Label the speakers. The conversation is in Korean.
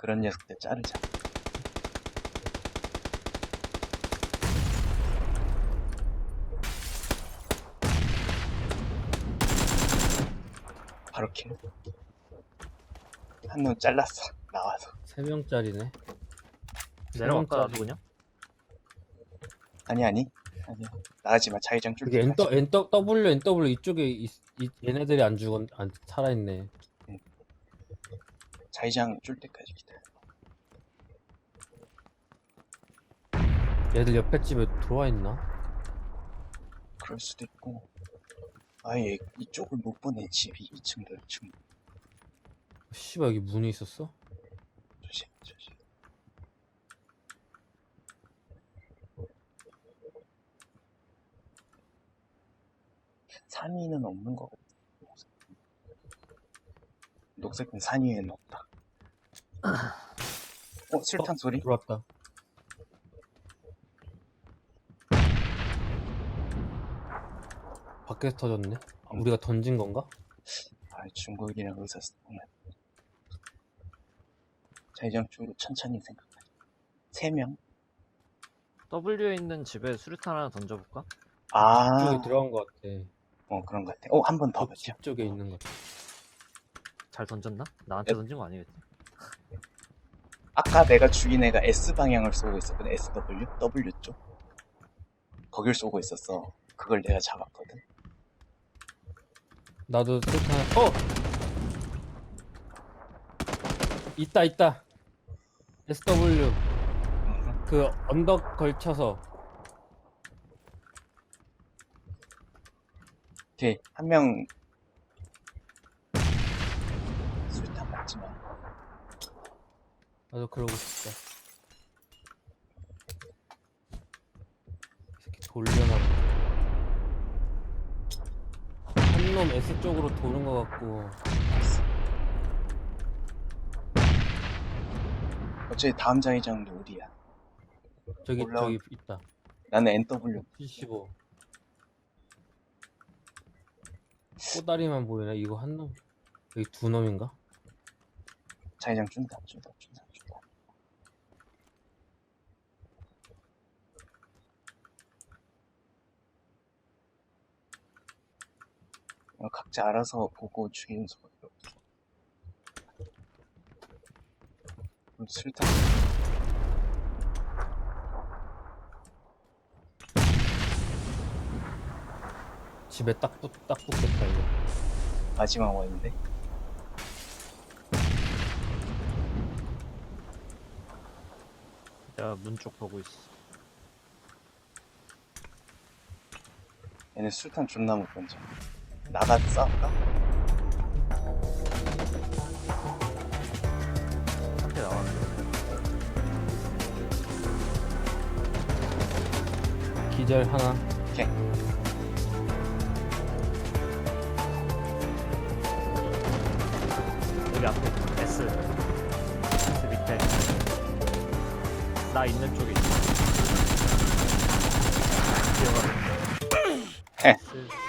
Speaker 1: 그런 녀석들 자르자. 바로 킬. 한 놈 잘랐어. 나와서.
Speaker 2: 3명짜리네.
Speaker 3: 내려갈까 나도
Speaker 2: 3명짜리.
Speaker 3: 그냥?
Speaker 1: 아니. 나가지마. 자기장 줄
Speaker 2: 그게
Speaker 1: 때까지.
Speaker 2: NW 이쪽에 얘네들이 안 살아있네.
Speaker 1: 자기장 줄 때까지 기다려.
Speaker 2: 얘들 옆에 집에 들어와있나?
Speaker 1: 그럴 수도 있고. 아예 이쪽을 못 보내. 집이 2층도 2층.
Speaker 2: 씨발 여기 문이 있었어?
Speaker 1: 조심. 산 위는 없는 것 같아. 녹색은 산 위에는 없다. 술탄 소리?
Speaker 2: 들어왔다. 밖에서 터졌네. 우리가 던진 건가?
Speaker 1: 중국이랑 의사소통을. 자기장 쪽으로 천천히 생각해. 3명?
Speaker 3: W에 있는 집에 수류탄 하나 던져볼까?
Speaker 2: 이쪽에 들어간 것 같아.
Speaker 1: 그런 것 같아. 한 번 더
Speaker 2: 그
Speaker 1: 보자.
Speaker 2: 집 쪽에 있는 것 같아.
Speaker 3: 잘 던졌나? 나한테
Speaker 1: 네.
Speaker 3: 던진 거 아니겠지?
Speaker 1: 아까 내가 죽인 애가 S방향을 쏘고 있었거든. W 쪽. 거길 쏘고 있었어. 그걸 내가 잡았거든.
Speaker 2: 나도 술탄. 있다. SW. 그 언덕 걸쳐서.
Speaker 1: 오케이. 한 명. 술탄 맞지 마.
Speaker 2: 나도 그러고 싶다. 이 새끼 돌려나 보다. 한 놈 S 쪽으로 도는 것 같고.
Speaker 1: 어차피 다음 자기장도 어디야?
Speaker 2: 저기 있다.
Speaker 1: 나는 NW.
Speaker 2: 75. 꼬다리만 보이네. 이거 한 놈. 여기 두 놈인가?
Speaker 1: 자기장 준다. 각자 알아서 보고 죽이는 수밖에 없어. 술탄.
Speaker 2: 집에 딱 붙겠다 이거.
Speaker 1: 마지막 원인데.
Speaker 3: 내가 문 쪽 보고 있어.
Speaker 1: 얘네 술탄 존나 못 던져. 나가서 싸울까?
Speaker 3: 한대 나왔는데.
Speaker 2: 기절 하나.
Speaker 1: 오케이.
Speaker 3: 여기 앞에 S 밑에 나 있는 쪽에 있어. 기어가는
Speaker 1: 헤.
Speaker 3: S